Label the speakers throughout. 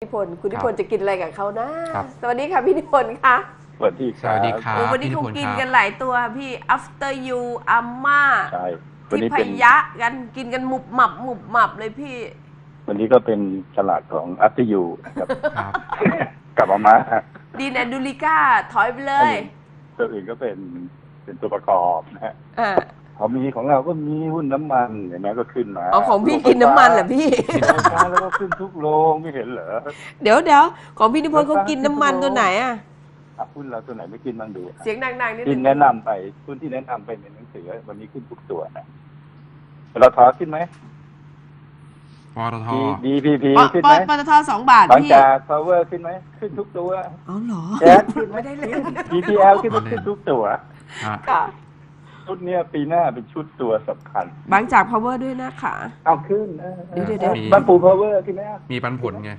Speaker 1: พลคุณนิพนธ์จะกินอะไรกับเขานะสวัสดีค่ะพี่นิพนธ์ค่ะ
Speaker 2: สวัสดีครับ
Speaker 1: วันนี้คงกินกันหลายตัวพี่ after you อาม่าที่พยะกันกินกันหมุบหมับเลยพี่
Speaker 2: วันนี้ก็เป็นฉลาดของอัตยูนะครับกลับมา
Speaker 1: ดีแอนดูลิก้าถอยไปเลย
Speaker 2: ตัวอื่นก็เป็นตัวประกอบนะฮะของเราก็มีหุ้นน้ำมันเห็นไหมก็ขึ้นมา
Speaker 1: ของพี่กินน้ำมันเหรอพี่
Speaker 2: แล้วก็ขึ้นทุกโรงไม่เห็นเหรอ
Speaker 1: เดี๋ยวของพี่นิพนธ์เขากินน้ำมันตัวไหนอ่ะ
Speaker 2: หุ้นเราตัวไหนไม่กินบ้างดู
Speaker 1: เสียงดังๆนิดนึง
Speaker 2: แนะนำไปหุ้นที่แนะนำไปในหนังสือวันนี้ขึ้นทุกตัวนะเราถอขึ้นไหม
Speaker 3: ปตท
Speaker 2: DPP ขึ้นไหม
Speaker 1: ปตท2 บาท
Speaker 2: บางจาก Power ขึ้นไหมขึ้นทุกตัว
Speaker 1: อ๋อเหรอ
Speaker 2: แก๊สขึ้นไม่ได้เลย PTL ขึ้นทุกตัว
Speaker 1: ค่ะ
Speaker 2: ชุดเนี้ยปีหน้าเป็นชุดตัวสำคัญ
Speaker 1: บางจาก Power ด้วยนะคะ
Speaker 2: เอาขึ้น
Speaker 1: เดี๋ยว
Speaker 2: บางปู Power ขึ้นไหม
Speaker 3: มีปันผลไง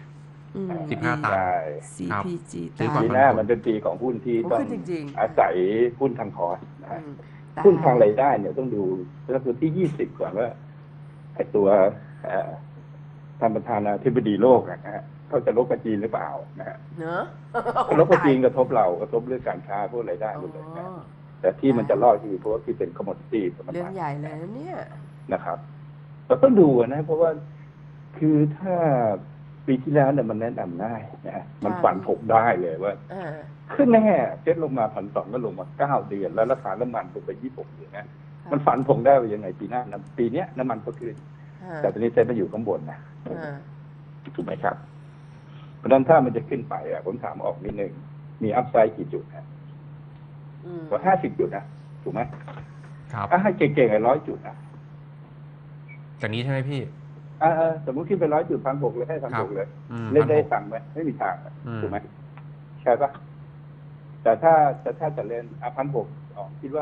Speaker 3: 15 ตังค์
Speaker 1: CPG
Speaker 2: ปีหน้ามันเป็นปีของหุ้นที่ต้องอาศัยหุ้นทางคอสหุ้นทางรายได้เนี่ยต้องดูตัวที่20ก่อนว่าไอ้ตัวท่านประธานาธิบดีโลกนะฮะเขาจะลบกับจีนหรือเปล่านะฮะลบกับจีนกระทบเรากระทบเรื่องการค้าพวกรายได้หมดเลยนะแต่ที่มันจะรอดคือเพราะที่เป็นคอมมอดิตี้
Speaker 1: เรื่องใหญ่เลยเนี่ย
Speaker 2: นะครับเราต้องดูนะเพราะว่าคือถ้าปีที่แล้วเนี่ยมันแนะนำได้นะมันฝันผกได้เลยว่าขึ้นแน่เซ็ตลงมา1,200ก็ลงมา9 เดือนแล้วราคาน้ำมันลงไป26 เดือนนะมันฝันผกได้ว่ายังไงปีหน้าปีนี้น้ำมันก็ขึ้นแต่ตอนนี้เซ็ตมาอยู่ข้างบนนะถูกไหมครับเพราะฉะนั้นถ้ามันจะขึ้นไปผมถามออกนิดนึงมีอัพไซด์กี่จุดนะว่า50 จุดนะถูกไหม
Speaker 3: ครับ
Speaker 2: ให้เก่งๆ100 จุดนะ
Speaker 3: จากนี้ใช่ไหมพี่
Speaker 2: สมมุติขึ้นไป100 จุด1,600เลยให้1,600เลยเล่นได้ตังค์ไหมไม่มีทางถูกไหมใช่ปะแต่ถ้าจะเล่น1,600คิดว่า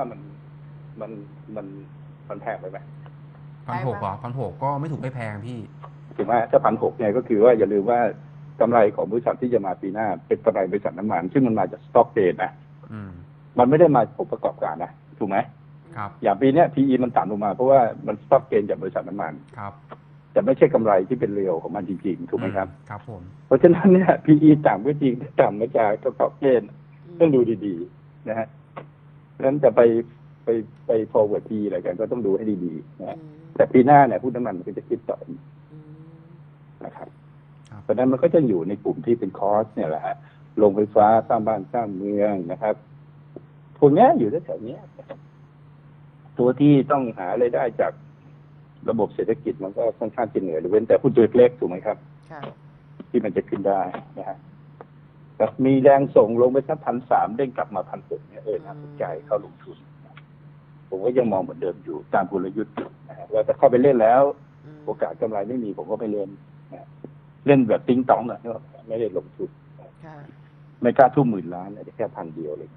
Speaker 2: มันแพงไปไหม
Speaker 3: 1,600เหรอ1,600ก็ไม่ถูกไม่แพงพี่
Speaker 2: ถูกไหมถ้า1,600เนี่ยก็คือว่าอย่าลืมว่ากำไรของบริษัทที่จะมาปีหน้าเป็นกำไรบริษัทน้ำมันซึ่งมันมาจากสต็อกเกนนะมันไม่ได้มาผลประกอบการนะถูกไหม
Speaker 3: ครับ
Speaker 2: อย่างปีนี้ PE มันต่ำลงมาเพราะว่ามันสต็อกเกนจากบริษัทน้ำมัน
Speaker 3: ครับ
Speaker 2: แต่ไม่ใช่กำไรที่เป็นเรียวของมันจริงๆถูกไหมครับ
Speaker 3: ครับผม
Speaker 2: เพราะฉะนั้นเนี่ย PE ต่ำก็จริงแต่ต่ำมาจากสต็อกเกนต้องดูดีๆนะฮะเพราะฉะนั้นจะไป forward PE อะไรกันก็ต้องดูให้ดีๆนะแต่ปีหน้าเนี่ยหุ้นน้ำมันมันก็จะคิดต่อนะครับเพราะฉะนั้นมันก็จะอยู่ในกลุ่มที่เป็นคอสเนี่ยแหละฮะโรงไฟฟ้าสร้างบ้านสร้างเมืองนะครับพวกนี้อยู่แถวๆนี้ตัวที่ต้องหารายได้จากระบบเศรษฐกิจมันก็ค่อนข้างจะเหนื่อยเว้นแต่หุ้นตัวเล็กถูกไหมครับที่มันจะขึ้นได้นะฮะแต่มีแรงส่งลงไปสัก1,300เด้งกลับมา1,600เนี่ยน่าสนใจเข้าลงทุนผมก็ยังมองเหมือนเดิมอยู่ตามกลยุทธ์นะฮะว่าจะเข้าไปเล่นแล้วโอกาสกำไรไม่มีผมก็ไม่เล่นเล่นแบบติ้งต้องนะไม่ได้ลงทุนไม่กล้าทุ่ม10,000 ล้านเลยแค่1,000 เดียวเลย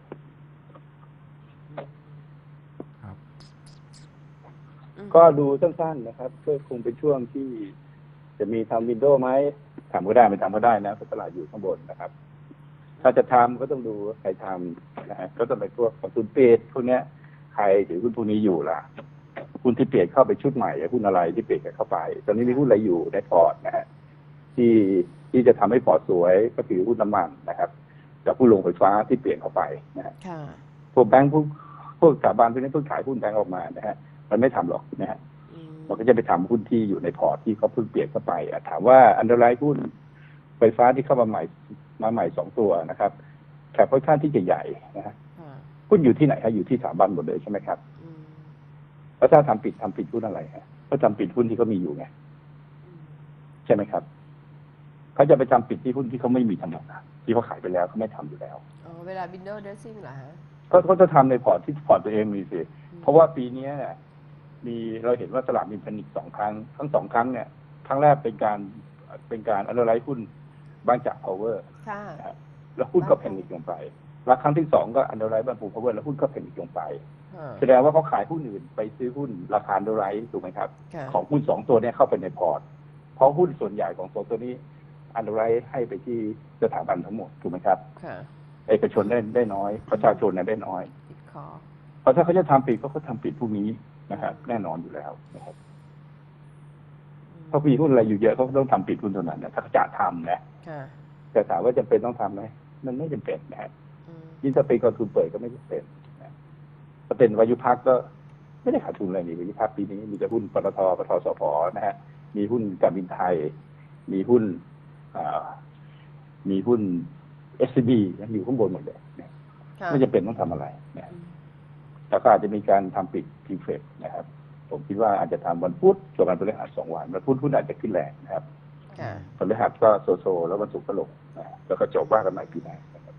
Speaker 2: ก็ดูสั้นๆนะครับก็คงเป็นช่วงที่จะมีทำวินโดว์ไหมทำก็ได้ไม่ทำก็ได้นะเพราะตลาดอยู่ข้างบนนะครับถ้าจะทำก็ต้องดูใครทำนะฮะก็ต้องไปพวกของทุนเปดพวกนี้ใครถือหุ้นพวกนี้อยู่ล่ะหุ้นที่เปลี่ยนเข้าไปชุดใหม่หุ้นอะไรที่เปลี่ยนเข้าไปตอนนี้มีหุ้นอะไรอยู่ในพอร์ตนะฮะที่จะทำให้พอร์ตสวยก็คือหุ้นน้ำมันนะครับกับผู้ลงไฟฟ้าที่เปลี่ยนเข้าไปนะฮะพวกแบงค์พวกสถาบันพวกนี้เพิ่งขายหุ้นแบงค์ออกมานะฮะมันไม่ทำหรอกนะฮะมันก็จะไปทำหุ้นที่อยู่ในพอร์ตที่เขาเพิ่งเปลี่ยนเข้าไปถามว่าอันเดอร์ไลน์หุ้นไฟฟ้าที่เข้ามาใหม่2 ตัวนะครับแคปค่อนข้างที่จะใหญ่นะฮะหุ้นอยู่ที่ไหนฮะอยู่ที่สถาบันหมดเลยใช่ไหมครับแล้วถ้าทำปิดหุ้นอะไรฮะก็ทำปิดหุ้นที่เขามีอยู่ไงใช่ไหมครับเขาจะไปทำปิดที่หุ้นที่เขาไม่มีทำหรอกนะที่เขาขายไปแล้วเขาไม่ทำอยู่แล้ว
Speaker 1: เวลา window dressing เหรอฮะ
Speaker 2: ก็จะทำในพอร์ตที่พอร์ตตัวเองมีสิเพราะว่าปีนี้เนี่ยเราเห็นว่าตลาดมีแพนิค2 ครั้งทั้ง2 ครั้งเนี่ยครั้งแรกเป็นการอันเดอร์ไลน์หุ้นบางจาก power แล้วหุ้นก็แพนิคลงไปแล้วครั้งที่2ก็อันเดอร์ไลน์บางปู power แล้วหุ้นก็แพนิคลงไปแสดงว่าเขาขายหุ้นอื่นไปซื้อหุ้นราคาอันเดอร์ไลน์ถูกไหมครับของหุ้น2 ตัวนี้เข้าไปในพอร์ตเพราะหุ้นส่วนใหญ่ของ2 ตัวนี้อันเดอร์ไลน์ให้ไปที่สถาบันทั้งหมดถูกไหมครับเอกชนได้น้อยประชาชนได้น้อยเพราะถ้าเขาจะทำปิดก็ทำปิดพวกนี้นะครับแน่นอนอยู่แล้วนะครับเพราะมีหุ้นอะไรอยู่เยอะเขาต้องทำปิดหุ้นตัวนั้นนะถ้าเขาจะทำนะแต่ถามว่าจำเป็นต้องทำไหมมันไม่จำเป็นนะฮะยิ่งถ้าเป็นกองทุนเปิดก็ไม่จำเป็นนะถ้าเป็นวายุพักก็ไม่ได้ขาดทุนอะไรนี่วายุพักปีนี้มีแต่หุ้นปตทปตทสผนะฮะมีหุ้นการบินไทยมีหุ้นSCB อยู่ข้างบนหมดเลยนะไม่จำเป็นต้องทำอะไรนะแล้วก็อาจจะมีการทำปิดทีเฟกนะครับผมคิดว่าอาจจะทำวันพุธส่วนวันพฤหัส2 วันวันพุธหุ้นอาจจะขึ้นแรงนะครับพฤหัสก็โซแล้ววันศุกร์ก็ลงนะแล้วก็จบว่ากันใหม่ปีหน้านะครับ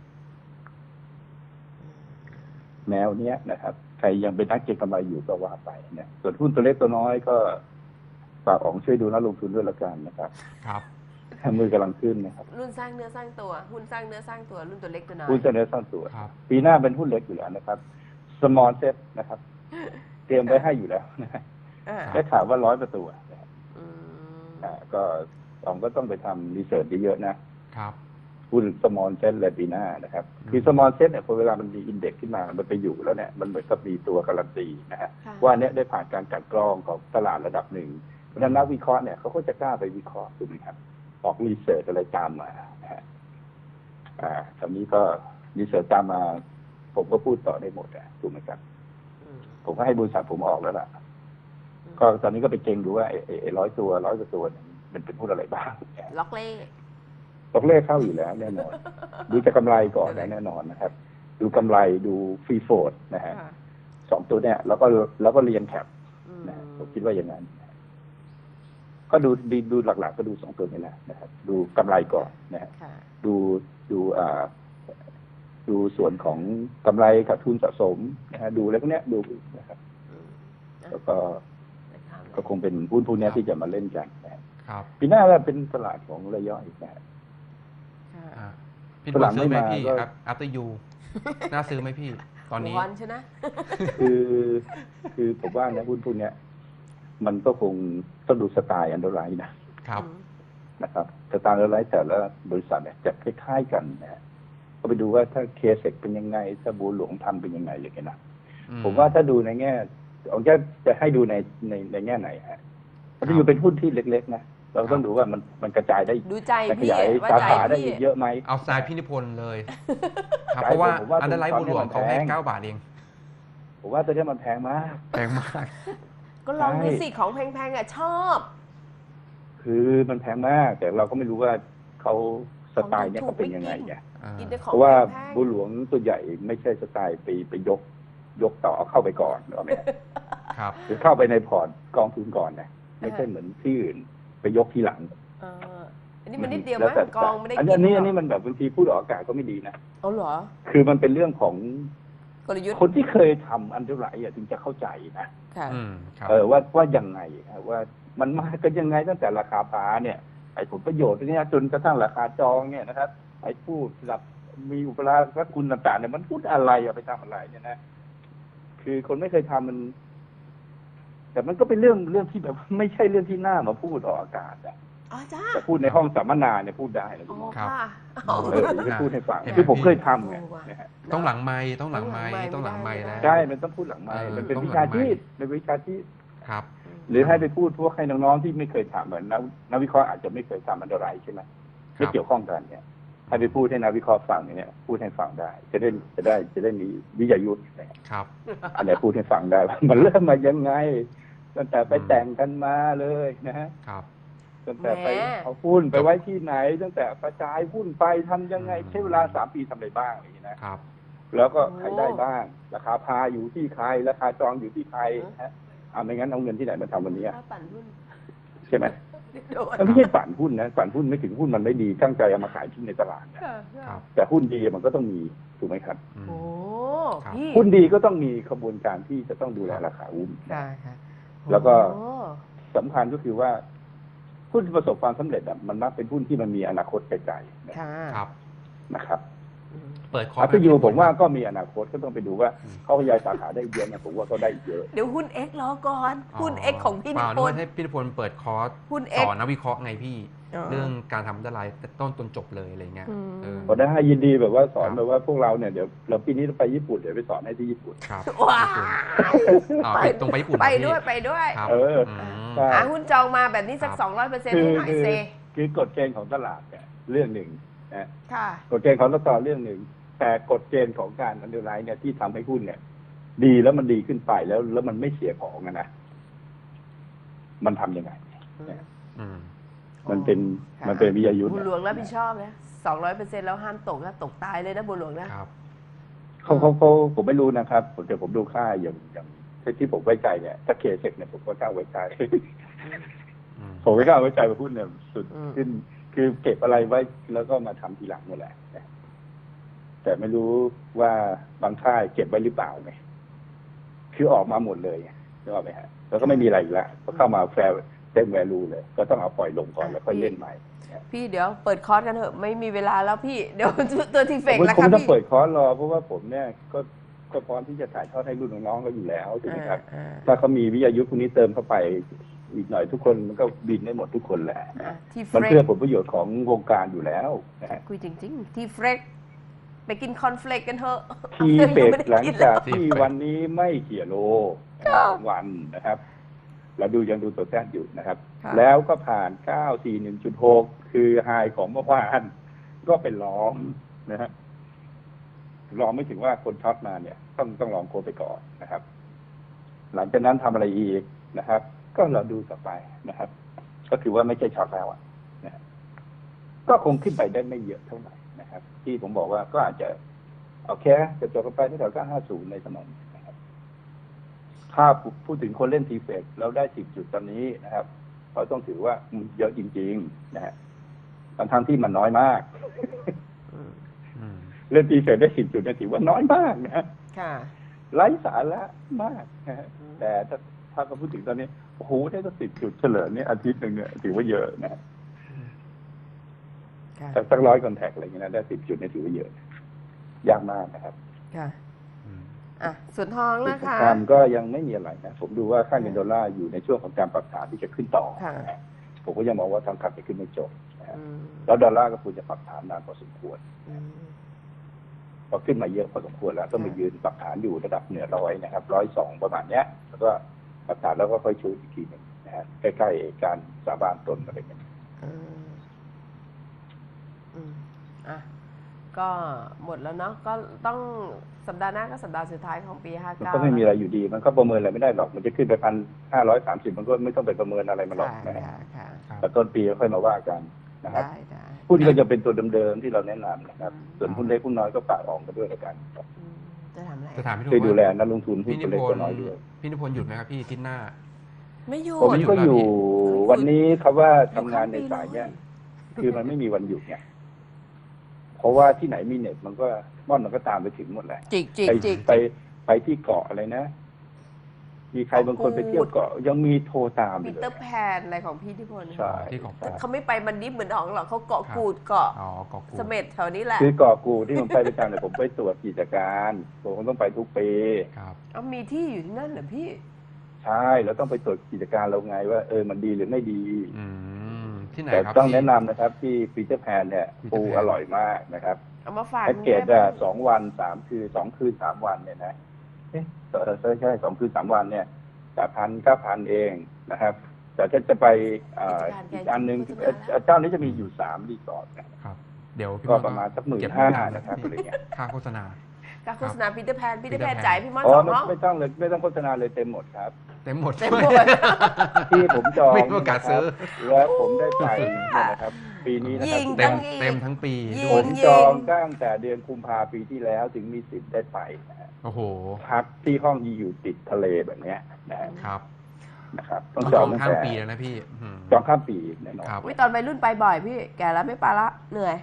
Speaker 2: แนวเนี้ยนะครับใครยังเป็นนักเก็งกำไรอยู่ก็ว่าไปเนี่ยส่วนหุ้นตัวเล็กตัวน้อยก็ฝากอ๋องช่วยดูนักลงทุนด้วยละกันนะครับ
Speaker 3: ครับ
Speaker 2: มือกำลังขึ้นนะครับ
Speaker 1: รุ่นสร้างเนื้อสร้างตัวหุ้นสร้างเนื้อสร้างตัวรุ่นตัวเล็กตัวน้อย
Speaker 2: หุ้นสร้างเนื้อสร้างตัวปีหน้าเป็นหุ้นเล็กอยู่แล้วนะครับ small set นะครับเตรียมไว้ให้อยู่แล้วนะได้ข่าวว่า100 ประตูก็อ๋องก็ต้องไปทำรีเสิร์ชเยอะๆนะครับหุ้น small set เลยปีหน้านะครับคือ small set เนี่ยพอเวลามันมีอินเด็กซ์ขึ้นมามันไปอยู่แล้วเนี่ยมันเหมือนกับมีตัวการันตีนะฮะว่าเนี้ยได้ผ่านการกลั่นกรองของตลาดระดับหนึ่งเพราะฉะนั้นนักวิเคราะห์เนี่ยเขาก็จะกล้าไปวิเคราะห์ถูกไหมครับออกรีเสิร์ชอะไรตามมานะฮะตอนนี้ก็รีเสิร์ชตามมาผมก็พูดต่อได้หมดถูกไหมครับผมก็ให้บริษัทผมออกแล้วล่ะก็ตอนนี้ก็ไปเก่งดูว่า100 ตัวมันเป็นหุ้นอะไรบ้าง
Speaker 1: ล็อกเ
Speaker 2: ล่เข้าอยู่แล้วแน่นอนดูจากกำไรก่อนแน่นอนนะครับดูกำไรดูฟรีโฟลดนะฮะ2 ตัวเนี่ยแล้วก็เรียนแคปนะผมคิดว่าอย่างนั้นก็ดูหลักๆก็ดู2 ตัวนี้แหละนะครับดูกำไรก่อนนะฮะดูส่วนของกำไรขาดทุนสะสมนะฮะดูอะไรพวกนี้ดูนะครับแล้วก็คงเป็นหุ้นพวกนี้ที่จะมาเล่นกันนะครับปีหน้าก็เป็นตลาดของรายย่อยนะครับ
Speaker 3: พี่ซื้อไหมพี่ครับ after you น่าซื้อไหมพี่ตอนนี้
Speaker 1: ใช่ไหม
Speaker 2: คือผมว่านะหุ้นพวกนี้มันก็คงต้องดูสไตล์อันเดอร์ไลน์นะครับสไตล์อันเดอร์ไลน์แต่ละบริษัทเนี่ยจะคล้ายๆกันนะก็ไปดูว่าถ้าเคเซ็กเป็นยังไงถ้าบัวหลวงทำเป็นยังไงอย่างเงี้ยนะผมว่าถ้าดูในแง่ผมจะให้ดูในแง่ไหนฮะถ้าอยู่เป็นหุ้นที่เล็กๆนะเราต้องดูว่ามันกระจายได้
Speaker 1: ดูใจพี่ว่า
Speaker 2: สาขาได้เยอะไหม
Speaker 3: เอาสายพี่นิพนธ์เลยครับเพราะว่าอันเดอร์ไลน์บัวหลวงเขาให้9 บาทเอง
Speaker 2: ผมว่าตัวนี้มันแพงมาก
Speaker 1: ก็ลองดูสิของแพงๆชอบ
Speaker 2: คือมันแพงมากแต่เราก็ไม่รู้ว่าเขาสไตล์เนี่ยเขาเป็นยังไงเนี่ยเพราะว่าบัวหลวงตัวใหญ่ไม่ใช่สไตล์ไปยกต่อเข้าไปก่อนหรอเนี่ย
Speaker 3: ครับ
Speaker 2: หรือเข้าไปในพอร์ตกองทุนก่อนนะไม่ใช่เหมือนที่อื่นไปยกทีหลัง
Speaker 1: อันนี้มันนิดเดียวมั้งกองไม่ได้กิน
Speaker 2: อันนี้มันแบบบางทีพูดออกอากาศก็ไม่ดีนะ
Speaker 1: เหรอ
Speaker 2: คือมันเป็นเรื่องของ
Speaker 1: กลยุทธ์
Speaker 2: คนที่เคยทำอันเท่าไหร่ถึงจะเข้าใจนะว่ายังไงว่ามันมากันยังไงตั้งแต่ราคาปลาเนี่ยไอ้ผลประโยชน์เนี่ยจนกระทั่งราคาจองเนี่ยนะครับไอ้ผู้สลับมีอุปราชคุณต่างๆเนี่ยมันพูดอะไรไปทำอะไรเนี่ยนะคือคนไม่เคยทำมันแต่มันก็เป็นเรื่องที่แบบไม่ใช่เรื่องที่น่ามาพูดออกอากาศแต่พูดในห้องสัมมนาเนี่ยพูดได้นะคุณหมอจะพูดให้ฟังคือผมเคยทำไง
Speaker 3: ต้องหลังไมค์ต้องหลังไมค์แล้ว
Speaker 2: ใช่มันต้องพูดหลังไมค์มันเป็นวิชาชีพ
Speaker 3: ครับ
Speaker 2: หรือให้ไปพูดพวกให้น้องๆที่ไม่เคยทำเหมือนนักวิเคราะห์อาจจะไม่เคยทำอันตรายใช่ไหมไม่เกี่ยวข้องกันเนี่ยให้ไปพูดให้นักวิเคราะห์ฟังเนี่ยพูดให้ฟังได้จะได้มีวิทยายุทธ์
Speaker 3: ครับ
Speaker 2: อันไหนพูดให้ฟังได้มันเริ่มมายังไงตั้งแต่ไปแต่งกันมาเลยนะฮะตั้งแต่ไปเอาหุ้นไปไว้ที่ไหนตั้งแต่กระจายหุ้นไปทำยังไงใช้เวลา3 ปีทำอะไรบ้างอย่างนี้นะครับแล้วก็ใครได้บ้างราคาพาอยู่ที่ใครราคาจองอยู่ที่ใครฮะไม่งั้นเอาเงินที่ไหนมาทำวันนี้ใช่ไหมมันไม่ใช่ปั่นหุ้นนะปั่นหุ้นไม่ถึงหุ้นมันไม่ดีตั้งใจเอามาขายที่ในตลาดนะแต่หุ้นดีมันก็ต้องมีถูกไหมครับหุ้นดีก็ต้องมีขบวนการที่จะต้องดูแลราคาหุ้นแล้วก็สำคัญก็คือว่าหุ้นที่ประสบความสำเร็จมันมักเป็นหุ้นที่มันมีอนาคตไกลๆนะครับ
Speaker 3: เปิดคอร์
Speaker 2: สอยู่ผมว่าก็มีอนาคตก็ต้องไปดูว่าเขาขยายสาขาได้เยอะเนี่ยผมว่าเขาได้เยอะ
Speaker 1: เดี๋ยวหุ้น X รอก่อนหุ้น X ของพี่นิพนธ์
Speaker 3: ให้พี่นิพนธ์เปิดคอร์สสอนนักวิเคราะห์ไงพี่เรื่องการทำอันตรายต้นจบเลยอะไรเงี้ย
Speaker 2: ก็ได้ยินดีแบบว่าสอนแบบว่าพวกเราเนี่ยเดี๋ยวเราปีนี้ไปญี่ปุ่นเดี๋ยวไปสอนให้ที่ญี่ปุ่น
Speaker 3: ครับว้า
Speaker 1: ไปตรงไปญี่ปุ่นไปด้วย
Speaker 3: ครับ
Speaker 2: ใช่
Speaker 1: หาหุ้นจองมาแบบนี้สัก 200%ให้หน่อยเซ
Speaker 2: คือกฎเกณฑ์ของตลาดเนี่ยเรื่องหนึ่งนะ
Speaker 1: ค่ะ
Speaker 2: กฎเกณฑ์ของตลาดเรื่องหนึ่งแต่กฎเกณฑ์ของการอันเดอร์ไลน์เนี่ยที่ทำให้หุ้นเนี่ย ดีแล้วมันดีขึ้นไปแล้วมันไม่เสียของนะมันทำยังไงมันเป็นวิทยายุทธ์
Speaker 1: บุญหลวงรับผิดชอบนะ200%แล้วห้ามตกนะตกตายเลยนะบุญหลวงนะครับ
Speaker 2: เขาผมไม่รู้นะครับผมดูค่าอย่างที่ผมไว้ใจเนี่ยถ้าเคเซ็กเนี่ยผมก็กล้าไว้ใจผมไม่กล้าไว้ใจว่าหุ้นเนี่ยสุดขึ้นคือเก็บอะไรไว้แล้วก็มาทำทีหลังนี่แหละแต่ไม่รู้ว่าบางค่ายเก็บไว้หรือเปล่าไงคือออกมาหมดเลยนึกออกไหมฮะแล้วก็ไม่มีอะไรอีกแล้วก็เข้ามาแฟร์เต็มแวลูเลยก็ต้องเอาปล่อยลงก่อนแล้วค่อยเล่นใหม่
Speaker 1: พี่เดี๋ยวเปิดคอร์สกันเถอะไม่มีเวลาแล้วพี่เดี๋ยวตัวทีเฟกแล้ว
Speaker 2: ผม
Speaker 1: ครับ
Speaker 2: ไม่ต้อง
Speaker 1: พี่
Speaker 2: เปิดคอร์สรอเพราะว่าผมเนี่ยก็พร้อมที่จะถ่ายทอดให้รุ่นน้องๆก็อยู่แล้วถูกไหมครับถ้าเขามีวิทยายุทธ์พวกนี้เติมเข้าไปอีกหน่อยทุกคนมันก็บินได้หมดทุกคนแหละมันเพื่อผลประโยชน์ของวงการอยู่แล้วนะฮะ
Speaker 1: คุยจริงๆทีเฟกไปกินคอนเฟลกกันเถอะ
Speaker 2: ทีเฟกหลังจากที่วันนี้ไม่เขี่ยโลวันนะครับเรายังดูตัวแทนอยู่นะครับแล้วก็ผ่าน 941.6 คือไฮของเมื่อวานก็เป็นล้อมนะฮะรอไม่ถึงว่าคนช็อตมาเนี่ยต้องลองโคไปก่อนนะครับ หลังจากนั้นทำอะไรอีกนะครับ ก็เราดูต่อไปนะครับ ก็คือว่าไม่ใช่ช็อตแล้วนะก็คงขึ้นไปได้ไม่เยอะเท่าไหร่นะครับ ที่ผมบอกว่าก็อาจจะเอาแค่จะจบกันไปที่แถว950ในสมองนะครับถ้าพูดถึงคนเล่นทีเฟกแล้วได้10 จุดตอนนี้นะครับเราต้องถือว่าเยอะจริงๆนะฮะทั้งที่มันน้อยมากเล่นทีเฟกได้10 จุดเนี่ยถือว่าน้อยมากนะ
Speaker 1: ค่ะ
Speaker 2: ไร้สาระมากนะแต่ถ้าเราพูดถึงตอนนี้โอ้โหได้ตั้ง10 จุดเฉลิมเนี่ยอาทิตย์หนึ่งเนี่ยถือว่าเยอะนะแต่สัก100 คอนแทคอะไรอย่างเงี้ยนะได้10 จุดเนี่ยถือว่าเยอะยากมากนะครับ
Speaker 1: ค่ะส่วนทองนะคะ
Speaker 2: ก็ยังไม่มีอะไรนะผมดูว่าค่าเงินดอลลาร์อยู่ในช่วงของการปรับฐานที่จะขึ้นต่อผมก็ยังมองว่าทางขับจะขึ้นไม่จบแล้วดอลลาร์ก็ควรจะปรับฐานนานพอสมควรพอขึ้นมาเยอะพอสมควรแล้วต้องมายืนปรับฐานอยู่ระดับเหนือ100นะครับ102ประมาณเนี้ยแล้วก็ปรับฐานแล้วก็ค่อยชูอีกทีหนึ่งนะฮะใกล้ๆการสาบานตนอะไรอย่างเงี้ย
Speaker 1: ก็หมดแล้วเนาะก็ต้องสัปดาห์หน้าก็สัปดาห์สุดท้ายของปี59
Speaker 2: ก็ไม่มีอะไรอยู่ดีมันก็ประเมินอะไรไม่ได้หรอกมันจะขึ้นไป1,530มันก็ไม่ต้องไปประเมินอะไรมาหรอกนะแต่ต้นปีค่อยมาว่ากันนะครับหุ้นก็จะเป็นตัวเดิมๆที่เราแนะนำนะครับส่วนหุ้นเล็กหุ้นน้อยก็ฝากออกกันด้วยแล้วกัน
Speaker 1: จะทำอะไร
Speaker 3: จะถามพี่
Speaker 2: ช่วยดูแลนักลงทุนหุ้นเล็กตัวน้อยด้วย
Speaker 3: พี่นิพนธ์หยุดไหมครับพี่ที่หน้า
Speaker 1: ไม่หยุด
Speaker 2: ผมก็อยู่วันนี้ครับว่าทำงานในสายเนี้ยคือมันไม่มีวันหยุดไงเพราะว่าที่ไหนมีเน็ตมันก็ม่อนมันก็ตามไปถึงหมดแหละไปที่เกาะอะไรนะมีใครบางคนไปเที่ยวเกาะยังมีโทรตาม
Speaker 1: ปีเตอร์แพนอะไรของพี่นิพนธ์
Speaker 2: ใช่
Speaker 1: เขาไม่ไปมันดิฟเหมือนของหรอกเขาเกาะกูดเกาะเสม็ดแถวนี้แหละ
Speaker 2: คือเกาะกูดที่ผมไปประจำเนี่ยผมไปตรวจกิจการผมต้องไปทุกปี
Speaker 1: มีที่อยู่ที่นั่นเหรอพี่
Speaker 2: ใช่เราต้องไปตรวจกิจการเราไงว่ามันดีหรือไม่ดี
Speaker 3: ที่ไหน
Speaker 2: แต่
Speaker 3: ครับ
Speaker 2: ต้องแนะนำนะครับที่ปีเตอร์แพนเนี่ยปูอร่อยมากนะครับ
Speaker 1: เอามาฝาก
Speaker 2: แพ็กเกจ2 วัน 3 คืน2 คืน 3 วันเนี่ยนะใช่2 คืน 3 วันเนี่ย8,000-9,000เองนะครับแต่ถ้าจะไปอีกอันนึงเจ้านี้จะมีอยู่3 รีสอร์ท
Speaker 3: นะครับเดี๋ยว
Speaker 2: ก็ประมาณสัก15,000นะครับอะไรเงี้ย
Speaker 3: ค่าโฆษณา
Speaker 1: ปีเตอร์แพนจ่ายพี่มอน2 ห้อง
Speaker 2: ไม่ต้องเลยไม่ต้องโฆษณาเลยเต็มหมดครับ
Speaker 3: เต็มหมด
Speaker 2: ที่ผมจอง
Speaker 3: ไม่มีโอกาสซื้อ
Speaker 2: แล้วผมได้ไปนะครับปีนี้นะครับ
Speaker 3: เต็มทั้งปี
Speaker 2: ผมจองตั้งแต่เดือนกุมภาพันธ์ปีที่แล้วถึงมีสิทธิ์ได้ไป
Speaker 3: โอ้โห
Speaker 2: พักที่ห้องอยู่ติดทะเลแบบเนี้ยนะครับ
Speaker 3: ต้องจองข้ามปีแล้วนะพี่
Speaker 2: จองข้ามปีแน่นอน
Speaker 1: ตอนวัยรุ่นไปบ่อยพี่แก่แล้วไม่ไปละเหนื่อย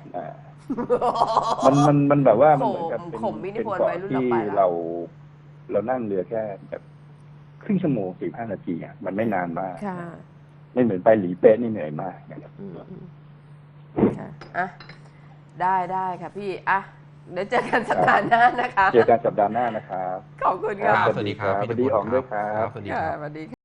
Speaker 2: มันแบบว่ามันเหมือนกับเป็นเกาะที่เรานั่งเรือแค่แบบครึ่งชั่วโมง15 นาทีอ่ะมันไม่นานมากไม่เหมือนไปหลีเป๊ะนี่เหนื่อยมากนะครับ
Speaker 1: ได้ค่ะพี่เดี๋ยวเจอกันสัปดาห์หน้านะคะ
Speaker 2: เจอกันสัปดาห์หน้านะครับ
Speaker 1: ขอบคุณครับ
Speaker 3: สวัสดีครับ
Speaker 2: สวัสดีอองด้วยครับ
Speaker 3: สวัสดีครับ